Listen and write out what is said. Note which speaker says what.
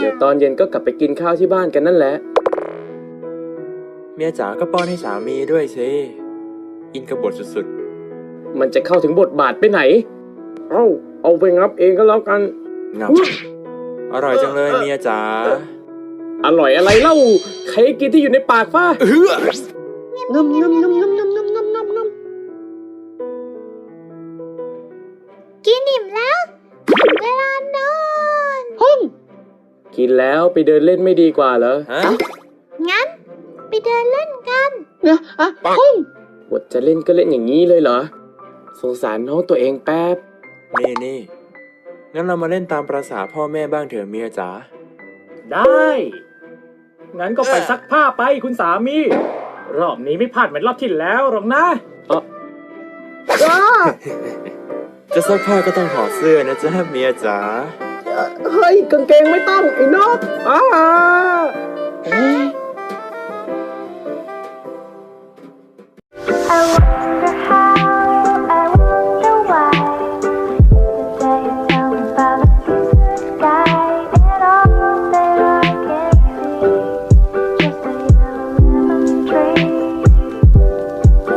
Speaker 1: เดี๋ยวตอนเย็นก็กลับไปกินข้าวที่บ้านกันนั่นแหละ
Speaker 2: เมียจ๋าก็ป้อนให้สามีด้วยสิอินกับบทสุด
Speaker 1: มันจะเข้าถึงบทบาทไปไหนเอาไปงับเองก็แล้วกัน
Speaker 2: ๆงับอร่อยจังเลยเมียจ๋า
Speaker 1: อร่อยอะไรเล่าใครกินที่อยู่ในปากฟ้า
Speaker 3: ง
Speaker 1: งำ
Speaker 3: ำงำงำงำงำงำงำงำงำกินอิ่มแล้วเวลานอน
Speaker 1: กินแล้วไปเดินเล่นไม่ดีกว่าเหรอ
Speaker 2: ฮะ
Speaker 3: งั้นไปเดินเล่นกัน
Speaker 1: บทจะเล่นก็เล่นอย่างนี้เลยเหรอสงสารน้องตัวเองแป๊บ
Speaker 2: นี่งั้นเรามาเล่นตามประสาพ่อแม่บ้างเถอะเมียจ๋า
Speaker 4: ได้ งั้นก็ไปซักผ้าไปคุณสามี รอบนี้ไม่พลาดเหมือนรอบที่แล้วหรอกนะ
Speaker 2: จะซักผ้าก็ต้องถอดเสื้อนะจ๊ะเมียจ๋า
Speaker 1: เฮ้ยกางเกงไม่ต้องไอ้นก
Speaker 3: I